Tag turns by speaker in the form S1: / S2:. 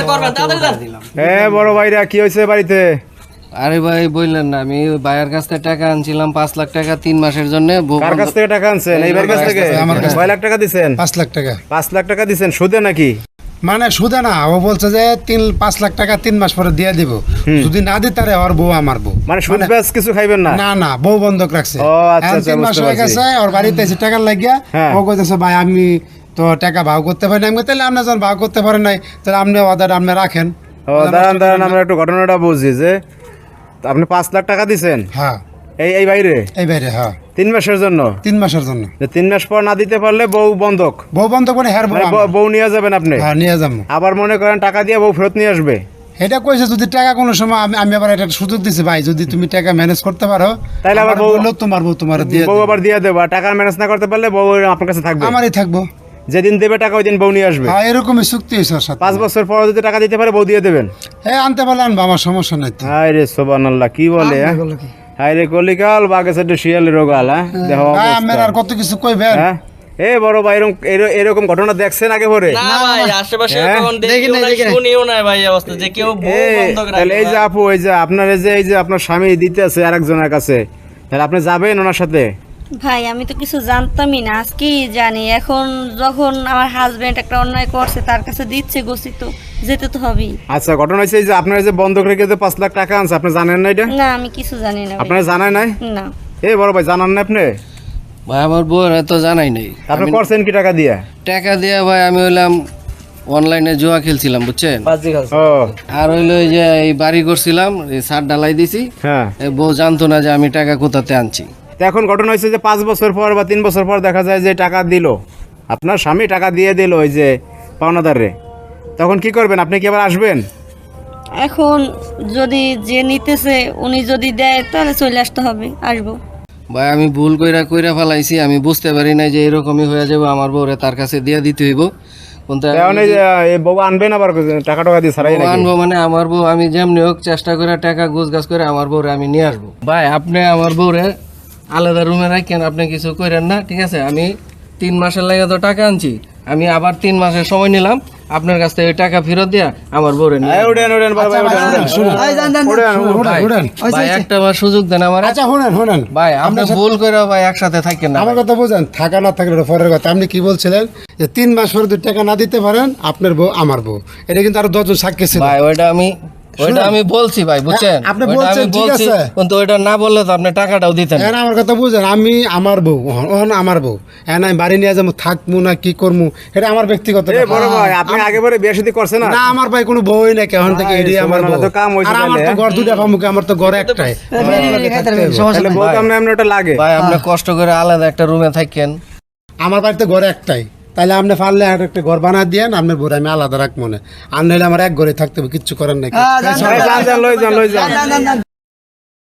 S1: করবেন তাড়াতাড়ি যান।
S2: বড় ভাইরা কি হয়েছে বাড়িতে?
S3: আরে ভাই বললেন না, আমি ওই ভাইয়ের কাছ থেকে টাকা আনছিলাম 5 লাখ টাকা 3 মাসের জন্য।
S2: কার কাছ থেকে টাকা আনছেন? এই ভাইয়ের কাছ থেকে?
S4: আমার কাছ থেকে।
S2: কয় লাখ টাকা দিছেন?
S4: 5 লাখ টাকা।
S2: 5 লাখ টাকা দিছেন সুদে নাকি?
S4: মানে সুদে না, ও বলছে যে 5 লাখ টাকা 3 মাস পরে দিয়ে দিব, যদি না দিই তারে ওর বউ আমার বউ।
S2: মানে সুদ ব্যাস কিছু খাইবেন না?
S4: না না, বউ বন্ধক রাখছে।
S2: ও আচ্ছা
S4: এখন
S2: আচ্ছা
S4: 3 মাস
S2: বুঝতে
S4: হয়ে
S2: পারছি।
S4: গেছে, ওর বাড়িতে এসে টাকা লাগিয়া
S2: হ্যাঁ।
S4: ও কইতেছে ভাই আমি তো টাকা ভাগ করতে পারি না। আমি তাহলে আপনি যখন ভাগ করতে পারেন নাই তাহলে আপনি অর্ডার আপনি রাখেন।
S2: দাঁড়ান আমরা একটু ঘটনাটা বুঝি যে আপনি 5 লাখ টাকা দিছেন
S4: হ্যাঁ
S2: এই বাইরে
S4: এই বাইরে, হ্যাঁ
S2: 3 মাসের জন্য।
S4: 3 মাসের জন্য।
S2: 3 মাস পর না দিতে পারলে বউ বন্ধক,
S4: বউ বন্ধক মানে হ্যার বউ
S2: মানে
S4: আমার।
S2: বউ নিয়ে যাবেন আপনি?
S4: হ্যাঁ নিয়ে যাবো।
S2: আবার মনে করেন টাকা দিয়ে বউ ফেরত নিয়ে আসবে?
S4: এটা কইছে যদি টাকা কোনো সময় আমি আবার একটা সুযোগ দিছি ভাই, যদি তুমি টাকা ম্যানেজ করতে পারো
S2: তাইলে আবার
S4: আমার
S2: বউ-
S4: বললো তোমার বউ তোমার দিয়ে
S2: বউ আবার দিয়ে দেবো, আর টাকা ম্যানেজ না করতে পারলে বউ আপনার কাছে থাকবে?
S4: আমারই থাকবো।
S2: যেদিন দেবে টাকা ওই দিন বউ নিয়ে আসবে?
S4: হ্যাঁ এরকমই চুক্তি হয়েছে ওর সাথে।
S2: 5 বছর পর যদি টাকা দিতে পারে বউ দিয়ে দেবেন?
S4: আনতে পারলে আনবো, আমার সমস্যা নাই তো।
S2: হায় রে সুবহানাল্লাহ, কি বলে? হায় রে কলিকাল বাগে সাথে শিয়ালের রোগাল। দেখো
S4: ভাই আমার আর কত কিছু কইবেন।
S2: হ্যাঁ বড় ভাই এরকম ঘটনা দেখছেন আগে পরে?
S1: না ভাই আশেপাশে
S2: হ্যাঁ?
S1: তখন দেখিও না শুনিও না ভাই এই অবস্থা যে কেউ বউ বন্ধক
S2: তাহলে এই যে
S1: রাখে।
S2: আপু, এই যে আপনার এই যে আপনার স্বামী দিতে আছে আরেকজনের কাছে, তাহলে আপনি যাবেন ওনার সাথে?
S5: ভাই আমি তো কিছু জানতামই না, আজকেই জানি। এখন যখন আমার হাজবেন্ড একটা অন্যায় করছে তার কাছে দিচ্ছে গোসি, তো যেতে তো হবেই।
S2: আচ্ছা ঘটনা হয়েছে এই যে আপনার যে বন্ধক রেখে যে 5 লাখ টাকা আনছে, আপনি জানেন না এটা?
S5: না আমি কিছু জানি না ভাই।
S2: আপনার জানায় নাই?
S5: না
S2: বড় ভাই জানান না আপনি?
S3: ভাই আমার বউর এত জানাই নাই।
S2: আপনি করছেন কি টাকা দিয়ে?
S3: টাকা দিয়ে ভাই আমি হইলাম অনলাইনে জুয়া খেলছিলাম বুঝছেন।
S2: ও
S3: আর হইলো এই যে এই বাড়ি করছিলাম, এই ছাদ ঢালাই দিছি।
S2: হ্যাঁ।
S3: এই বউ জানতো না যে আমি টাকা কোথাতে আনছি।
S2: তো এখন ঘটনা হয়েছে যে 5 বছর পর বা 3 বছর পর দেখা যায় যে টাকা দিল, আপনার স্বামী টাকা দিয়ে দিল ওই যে পাওনাদারে, তখন কি করবেন? আপনি কি আবার আসবেন?
S5: এখন যদি যে নিতেছে উনি যদি দেয় তাহলে চলে আসতে হবে, আসবো।
S3: ভাই আমি ভুল কইরা ফেলাইছি, আমি বুঝতে পারি নাই যে এরকমই হয়ে যাবে, আমার বউরে তার কাছে দিয়ে দিতে হইব। কিন্তু
S2: এখন এই যে এই বউ আনবেন আবার টাকা টাকা দিয়ে ছাড়াই
S3: বউ
S2: নাকি?
S3: আনবো মানে আমার বউ আমি যেমনি হোক চেষ্টা করে টাকা গোছগাছ করে আমার বউরে আমি নিয়ে আসবো। ভাই আপনি আমার বউরে আলাদা রুমে রাখেন, আপনি কিছু করেন না, ঠিক আছে? আমি 3 মাসের লাগে তো টাকা আনছি, আমি আবার 3 মাসের সময় নিলাম আপনার কাছ থেকে টাকা ফেরত দিয়া আমার বউরে নিয়ে আসবো।
S2: উঠেন বাবা, উঠেন।
S4: শুনেন
S3: ভাই একটা বার সুযোগ দেন আমার।
S4: আচ্ছা শুনেন
S3: ভাই আপনি ভুল করে ভাই একসাথে থাকেন না।
S4: আমার কথা বুঝেন, থাকা না থাকলে ওটা পরের কথা। আপনি কি বলছিলেন যে 3 মাস পরে যদি টাকা না দিতে পারেন আপনার বউ আমার বউ, এটা কিন্তু আরো 10 জন সাক্ষী ছিল।
S3: ভাই ওইটা আমি বলছি ভাই বুঝছেন,
S4: আপনি
S3: ওইটা
S4: বলছেন,
S3: আমি
S4: ঠিক
S3: বলছি,
S4: আছে।
S3: কিন্তু ওইটা না বললে তো আপনি টাকাটাও দিতেন না।
S4: এখন আমার কথা বুঝেন, আমি আমার বউ ওহন আমার বউ, এখন আমি বাড়ি নিয়ে যাবো, থাকবো না কি করবো এটা আমার ব্যক্তিগত ব্যাপার।
S2: বড় ভাই আপনি আগে পরে বিয়ে শাদী করছেন না?
S4: না আমার ভাই কোনো বউই নাই, কেমন থেকে এড়িয়ে আমার বউ।
S2: সুবহানাল্লাহ, তো কাম হইছে
S4: আর আমার তো
S2: তাহলে,
S4: ঘর দুটা পামুকে, আমার তো ঘর একটাই।
S2: তাহলে বউ তো আপনার ওটা লাগে?
S3: ভাই আপনি কষ্ট করে আলাদা একটা রুমে থাকেন।
S4: আমার বাড়িতে ঘর একটাই, তাহলে আপনি পারলে আর একটা ঘর বানা দিয়েন, আপনার বউরে আমি আলাদা রাখবো না। আর নাহলে আমার এক ঘরে থাকতে হবে, কিচ্ছু করার নাই।
S2: যান লই যান